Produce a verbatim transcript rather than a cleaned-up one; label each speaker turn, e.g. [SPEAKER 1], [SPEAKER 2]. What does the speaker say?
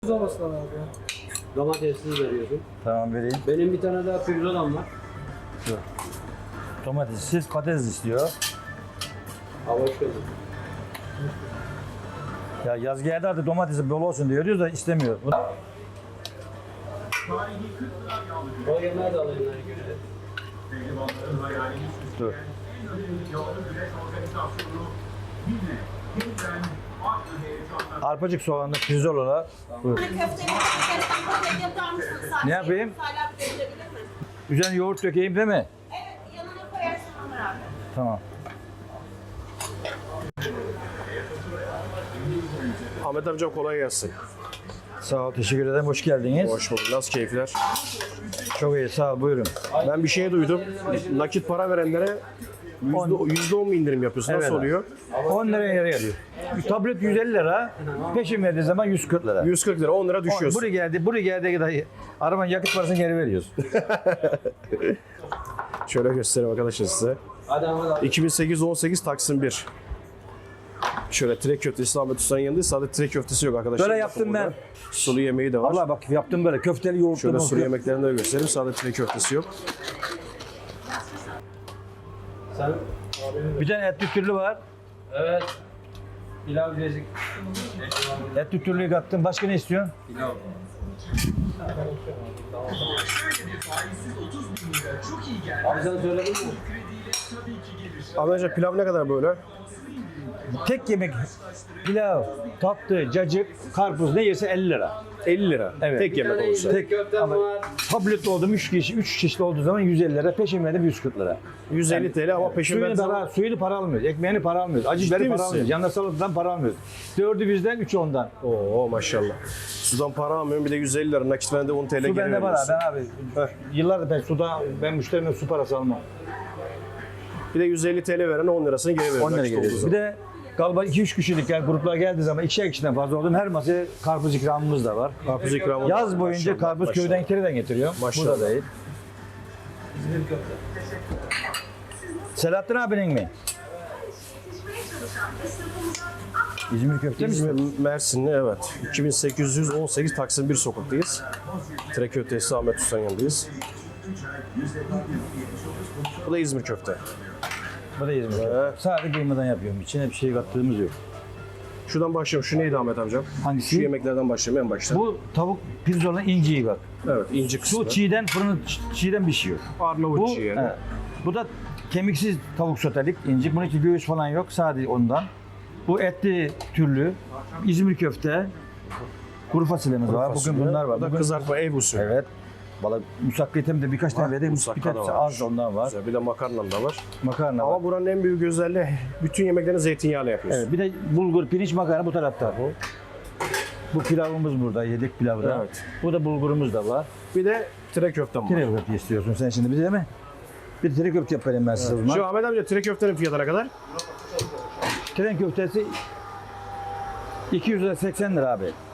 [SPEAKER 1] Olmasın abi ya.
[SPEAKER 2] Domatesini veriyorsun.
[SPEAKER 3] Tamam vereyim.
[SPEAKER 2] Benim bir tane daha pirzolam var.
[SPEAKER 3] Dur. Domatessiz patates istiyor.
[SPEAKER 2] Ha, hoş geldin.
[SPEAKER 3] Ya yaz geldi artık domatesi bol olsun diyoruz da istemiyor. Bu-
[SPEAKER 2] O yemeği de alayım hani göre.
[SPEAKER 3] Dur. Arpacık soğanlı pirzolalar. Buyur.
[SPEAKER 4] Köfteyi köfteyi paket yapar mısın? Sadece
[SPEAKER 3] Ne yapayım?
[SPEAKER 4] Salep verilebilir mi?
[SPEAKER 3] Üzerine yoğurt dökeyim değil mi?
[SPEAKER 4] Evet, yanına koyarsın Ömer abi.
[SPEAKER 3] Tamam.
[SPEAKER 5] Ahmet amcam kolay gelsin.
[SPEAKER 3] Sağ ol, teşekkür ederim. Hoş geldiniz.
[SPEAKER 5] Hoş bulduk. Nasıl keyifler?
[SPEAKER 3] Çok iyi, sağ ol. Buyurun.
[SPEAKER 5] Ben bir şey duydum. Nakit para verenlere yüzde on mu indirim yapıyorsun? Nasıl
[SPEAKER 3] Evet.
[SPEAKER 5] oluyor?
[SPEAKER 3] on liraya yarı geliyor. Bir tablet yüz elli lira, peşin verdiği zaman yüz kırk lira.
[SPEAKER 5] yüz kırk lira, on lira düşüyorsun.
[SPEAKER 3] Buraya geldi, buraya geldiği kadar arabanın yakıt parasını geri veriyoruz.
[SPEAKER 5] Şöyle göstereyim arkadaşlar size.
[SPEAKER 2] Hadi Ahmet abi.
[SPEAKER 5] iki bin sekiz on sekiz Taksim bir. Şöyle trek köftesi Ahmet Usta'nın yanında sadece trek köftesi yok arkadaşlar.
[SPEAKER 3] Böyle
[SPEAKER 5] Bakın
[SPEAKER 3] yaptım ben.
[SPEAKER 5] burada. Sulu yemeği de var.
[SPEAKER 3] Allah bak yaptım böyle köfteli yoğurtlu.
[SPEAKER 5] Şöyle sulu
[SPEAKER 3] nohutlu.
[SPEAKER 5] yemeklerini de göstereyim. Sadece trek köftesi yok.
[SPEAKER 2] Sen?
[SPEAKER 3] Bir tane etli türlü var.
[SPEAKER 2] Evet. Pilav bezik.
[SPEAKER 3] Etli türlüyü kattım. Başka ne istiyorsun?
[SPEAKER 2] Pilav. Abi sen söyledin mi?
[SPEAKER 5] Ahmet amca pilav ne kadar böyle?
[SPEAKER 3] Tek yemek pilav, tatlı, cacık, karpuz ne yerse elli lira.
[SPEAKER 5] elli lira.
[SPEAKER 3] Evet.
[SPEAKER 5] Tek yemek olursa.
[SPEAKER 2] Tek köftem var.
[SPEAKER 3] Tablet oldum üç kişi, üç çeşit olduğu zaman yüz elli lira, peşin verdim yüz kırk lira.
[SPEAKER 5] yüz elli T L ama peşin
[SPEAKER 3] Suyunu
[SPEAKER 5] verdiği
[SPEAKER 3] para,
[SPEAKER 5] zaman
[SPEAKER 3] suyunu para almıyoruz, ekmeğini para almıyoruz, acı
[SPEAKER 5] Ciddi
[SPEAKER 3] biberi para
[SPEAKER 5] misin?
[SPEAKER 3] almıyoruz, yanına salatadan para almıyoruz. Dördü bizden, üçü ondan.
[SPEAKER 5] Oo maşallah. Sudan para almıyorum bir de yüz elli lira nakit veren de on T L
[SPEAKER 3] Su
[SPEAKER 5] geri
[SPEAKER 3] bende var
[SPEAKER 5] veriyorsun.
[SPEAKER 3] abi, ben abi yıllardır ben suda, ben müşterime su parası almam.
[SPEAKER 5] Bir de yüz elli T L veren on lirasını geri veriyor.
[SPEAKER 3] on lira
[SPEAKER 5] nakit olduğu
[SPEAKER 3] geliyor. Bir
[SPEAKER 5] zaman.
[SPEAKER 3] de galiba iki üç kişilik yani gruplar geldiği zaman ikişer kişiden fazla oldum. Her masaya karpuz ikramımız da var.
[SPEAKER 5] Karpuz ikramı.
[SPEAKER 3] Yaz boyunca
[SPEAKER 5] Maşallah,
[SPEAKER 3] karpuz
[SPEAKER 5] maşallah.
[SPEAKER 3] köyden kereden getiriyor.
[SPEAKER 5] Maşallah.
[SPEAKER 3] Burada değil. Selahattin abinin mi? İzmir köfte mi?
[SPEAKER 5] İzmir Mersinli evet. iki bin sekiz yüz on sekiz Taksim bir sokaktayız. Trek köftesi Ahmet Usta'nın yanındayız. Bu da İzmir köfte.
[SPEAKER 3] Bu da İzmir.
[SPEAKER 5] Evet.
[SPEAKER 3] Sadece kıymadan yapıyorum. İçine bir şey kattığımız yok.
[SPEAKER 5] Şuradan başlayalım. Şu neydi Ahmet amcam?
[SPEAKER 3] Hangisi?
[SPEAKER 5] Şu yemeklerden başlayalım en başta.
[SPEAKER 3] Bu tavuk pirzola inciyi bak.
[SPEAKER 5] Evet inci kısmı.
[SPEAKER 3] Şu çiğden fırını ç- çiğden pişiyor.
[SPEAKER 5] Arnavut
[SPEAKER 3] Bu,
[SPEAKER 5] çiğ yani.
[SPEAKER 3] evet. Bu da kemiksiz tavuk sotelik inci. Bunun için göğüs falan yok. Sadece ondan. Bu etli türlü. İzmir köfte. Kuru fasulyemiz var.
[SPEAKER 5] Fasulye.
[SPEAKER 3] Bugün bunlar var.
[SPEAKER 5] Bu da
[SPEAKER 3] Bugün,
[SPEAKER 5] kızartma ev usulü.
[SPEAKER 3] evet. Valla musakketim de birkaç tane verdim.
[SPEAKER 5] musakka
[SPEAKER 3] Bir
[SPEAKER 5] da
[SPEAKER 3] tanesi
[SPEAKER 5] var.
[SPEAKER 3] az da ondan var.
[SPEAKER 5] Güzel. Bir de makarnam da var.
[SPEAKER 3] Makarna var.
[SPEAKER 5] Ama buranın en büyük özelliği bütün yemeklerini zeytinyağıyla yapıyorsun.
[SPEAKER 3] Evet, bir de bulgur, pirinç makarna bu tarafta. Bu pilavımız burada, yedek pilavı da.
[SPEAKER 5] Evet.
[SPEAKER 3] Bu da bulgurumuz da var.
[SPEAKER 5] Bir de trek köftem var.
[SPEAKER 3] Tire köfte istiyorsun sen şimdi bize değil mi? Bir tire köfte yapayım ben size o zaman.
[SPEAKER 5] Şu Ahmet amca trek köftenin fiyatı ne kadar?
[SPEAKER 3] Tren köftesi iki yüz seksen lira abi.